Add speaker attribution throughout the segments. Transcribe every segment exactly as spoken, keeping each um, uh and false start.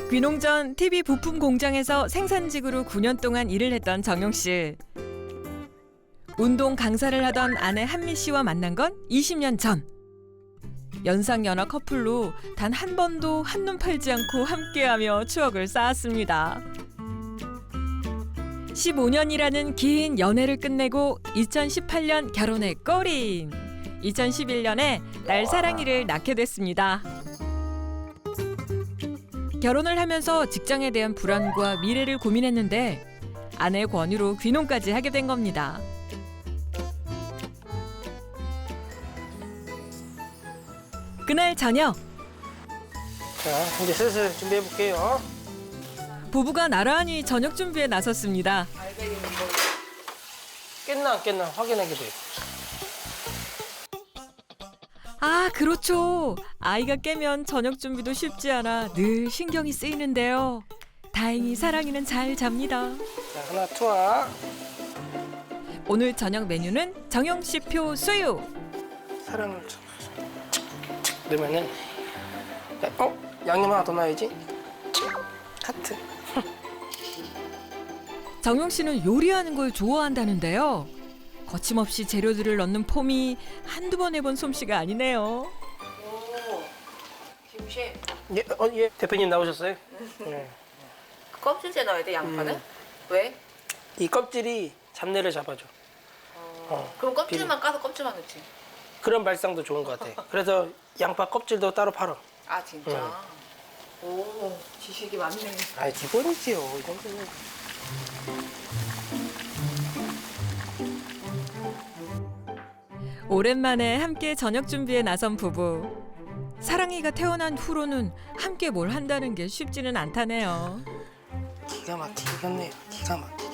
Speaker 1: 귀농 전 티비 부품 공장에서 생산직으로 구 년 동안 일을 했던 정용 씨. 운동 강사를 하던 아내 한미 씨와 만난 건 이십 년 전. 연상연하 커플로 단 한 번도 한눈 팔지 않고 함께하며 추억을 쌓았습니다. 십오 년이라는 긴 연애를 끝내고 이천십팔 년 결혼에 꼬린. 이천십일 년에 딸 사랑이를 낳게 됐습니다. 결혼을 하면서 직장에 대한 불안과 미래를 고민했는데 아내의 권유로 귀농까지 하게 된 겁니다. 그날 저녁.
Speaker 2: 자, 이제 슬슬 준비해 볼게요.
Speaker 1: 부부가 나란히 저녁 준비에 나섰습니다.
Speaker 2: 깼나 안 깼나 확인하게 돼요.
Speaker 1: 아, 그렇죠. 아이가 깨면 저녁 준비도 쉽지 않아 늘 신경이 쓰이는데요. 다행히 사랑이는 잘 잡니다.
Speaker 2: 자, 하나 투하.
Speaker 1: 오늘 저녁 메뉴는 정용 씨표 수육.
Speaker 2: 사랑을 착, 착 넣으면은 야, 어? 양념 하나 더 넣어야지. 하트.
Speaker 1: 정용 씨는 요리하는 걸 좋아한다는데요. 거침없이 재료들을 넣는 폼이 한두 번 해본 솜씨가 아니네요.
Speaker 3: 오, 김씨.
Speaker 2: 예, 어, 예. 대표님 나오셨어요? 네.
Speaker 3: 그 껍질째 넣어야 돼, 양파는?
Speaker 2: 음.
Speaker 3: 왜?
Speaker 2: 이 껍질이 잡내를 잡아줘. 어,
Speaker 3: 그럼 껍질만 까서 껍질만 넣지.
Speaker 2: 그런 발상도 좋은 것 같아. 그래서 양파 껍질도 따로 팔아.
Speaker 3: 아, 진짜? 오, 지식이 많네.
Speaker 2: 아, 기본이지요. 이 정도는.
Speaker 1: 오랜만에 함께 저녁 준비에 나선 부부. 사랑이가 태어난 후로는 함께 뭘 한다는 게 쉽지는 않다네요.
Speaker 2: 기가 막히겠네요. 기가 막히게.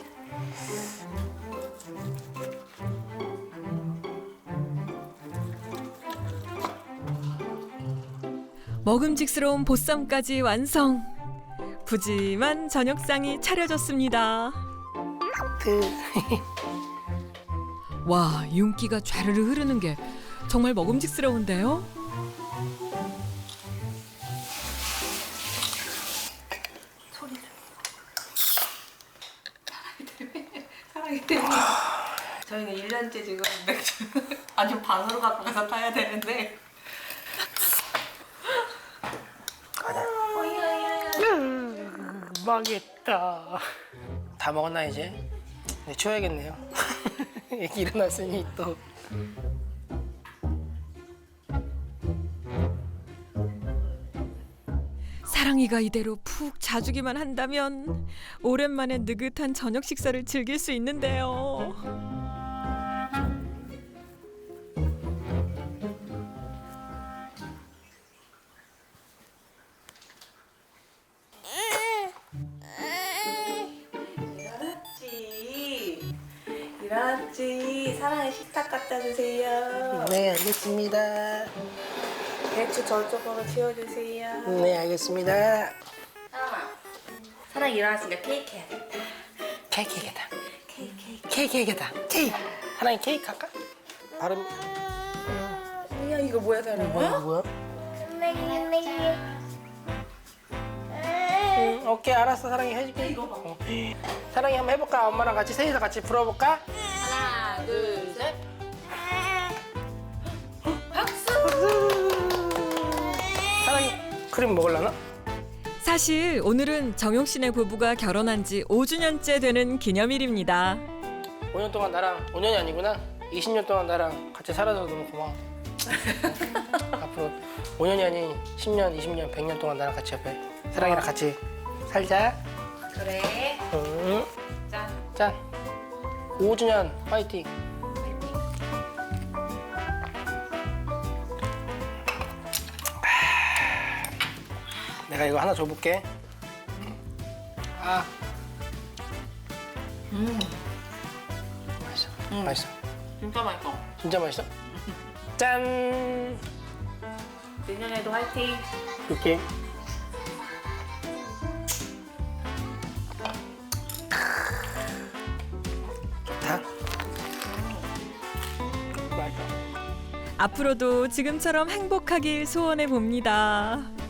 Speaker 1: 먹음직스러운 보쌈까지 완성. 푸짐한 저녁상이 차려졌습니다.
Speaker 2: 하트.
Speaker 1: 와, 윤기가 좌르르 흐르는 게 정말 먹음직스러운데요?
Speaker 3: 소리 사랑이 때문에. 저희는 일 년째 지금 맥주 아주 방으로 갖고 가서 타야 되는데.
Speaker 2: 망했다. 다 먹었나 이제? 네, 치워야겠네요. 애기 일어났으니 또.
Speaker 1: 사랑이가 이대로 푹 자주기만 한다면 오랜만에 느긋한 저녁 식사를 즐길 수 있는데요.
Speaker 3: 일어났지. 일어났지. 사랑의 식탁 갖다 주세요.
Speaker 2: 네, 알겠습니다.
Speaker 3: 배추 저쪽으로 치워주세요.
Speaker 2: 네, 알겠습니다.
Speaker 3: 사랑아. 사랑 일어났으니까 케이크 해야겠다.
Speaker 2: 케이크 해야겠다.
Speaker 3: 케이크 케이크.
Speaker 2: 케이크 해야겠다. 케이크. 하나님 케이크 할까? 발음.
Speaker 3: 야 이거 뭐야 사랑아?
Speaker 2: 뭐야, 뭐야? 응, 오케이, 알았어. 사랑이 해줄게.
Speaker 3: 이거 봐.
Speaker 2: 어. 사랑이 한번 해볼까? 엄마랑 같이 셋이서 같이 불어볼까?
Speaker 3: 하나 둘 셋. 박수.
Speaker 2: 사랑이 크림 먹을라나?
Speaker 1: 사실 오늘은 정용 씨네 부부가 결혼한 지 오 주년째 되는 기념일입니다.
Speaker 2: 오 년 동안 나랑 오 년이 아니구나. 이십 년 동안 나랑 같이 살아줘서 너무 고마워. 앞으로 오 년이 아닌 십 년, 이십 년, 백 년 동안 나랑 같이 옆에 사랑이랑 같이 살자.
Speaker 3: 그래.
Speaker 2: 응.
Speaker 3: 짠.
Speaker 2: 짠. 오 주년 파이팅. 내가 이거 하나 줘볼게. 아,
Speaker 3: 음.
Speaker 2: 맛있어.
Speaker 3: 음.
Speaker 2: 맛있어.
Speaker 3: 진짜 맛있어.
Speaker 2: 진짜 맛있어. 짠.
Speaker 3: 내년에도 화이팅.
Speaker 2: 이렇게. 좋다. 맛있어.
Speaker 1: 앞으로도 지금처럼 행복하길 소원해 봅니다.